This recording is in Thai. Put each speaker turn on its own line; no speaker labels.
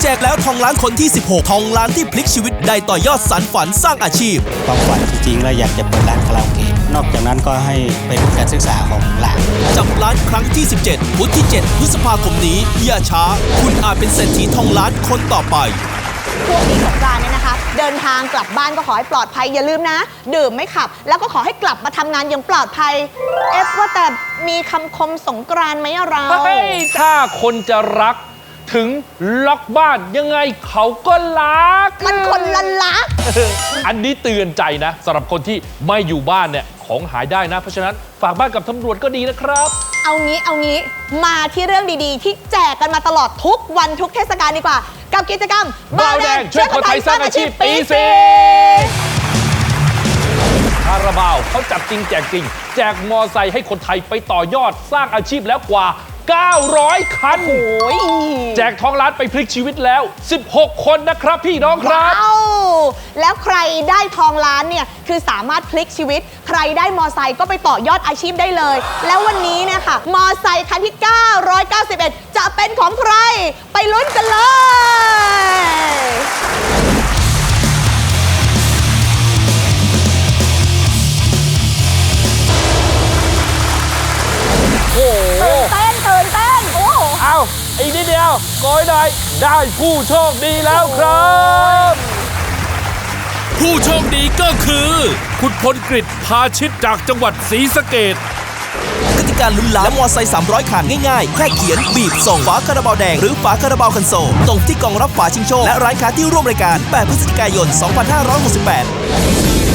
กแล้วทองล้านคนที่ 16 ทองล้านที่พลิกชีวิตได้ต่อยอดสานฝันสร้างอาชีพ
ความฝันจริงๆแล้วอยากจะเปิดร้านคาราโอเกะนอกจากนั้นก็ให้ไปทุนการศึกษาของหลาน
จับล้านครั้งที่ 17 พุธที่ 7 พฤษภาคมนี้อย่าช้าคุณอาจเป็นเศรษฐีทองล้านคนต่อไป
ช่วงนี้สงกรานต์เนี่ยนะคะเดินทางกลับบ้านก็ขอให้ปลอดภัยอย่าลืมนะดื่มไม่ขับแล้วก็ขอให้กลับมาทำงานอย่างปลอดภัยว่าแต่มีคำคมสงกรานต์ไหมเรา
ถ้าคนจะรักถึงล็อกบ้านยังไงเขาก็รัก
มันคนละลัก
อันนี้เตือนใจนะสำหรับคนที่ไม่อยู่บ้านเนี่ยของหายได้นะเพราะฉะนั้นฝากบ้านกับตำรวจก็ดีนะครับ
เอางี้มาที่เรื่องดีๆที่แจกกันมาตลอดทุกวันทุกเทศกาลดีกว่ากับกิจกรรม
บาวแดงช่วยคนไทยสร้างอาชีพปี4คาราบาวเขาจับจริงแจกจริงแจกมอไซค์ให้คนไทยไปต่อยอดสร้างอาชีพแล้วกว่า900 คันแจกทองล้านไปพลิกชีวิตแล้ว16 คนนะครับพี่น้องครับ
แล้วใครได้ทองล้านเนี่ยคือสามารถพลิกชีวิตใครได้มอไซค์ก็ไปต่อยอดอาชีพได้เลยแล้ววันนี้เนี่ยค่ะมอไซค์คันที่991จะเป็นของใครไปลุ้นกันเลยตื่นเต้นโอ้
เอาอีกนิดเดียวก้อยได้ผู้โชคดีแล้วครับ
ผู้โชคดีก็คือคุณพลกฤษพาชิตจากจังหวัดศรีสะเกษกติกาลุ้นล้านและมอไซค์300 คันง่ายๆแค่เขียนบีบส่งฝาคาราบาวแดงหรือฝาคาราบาวคันโซลตรงที่กล่องรับฝาชิงโชคและร้านค้าที่ร่วมรายการ8 พฤศจิกายน 2568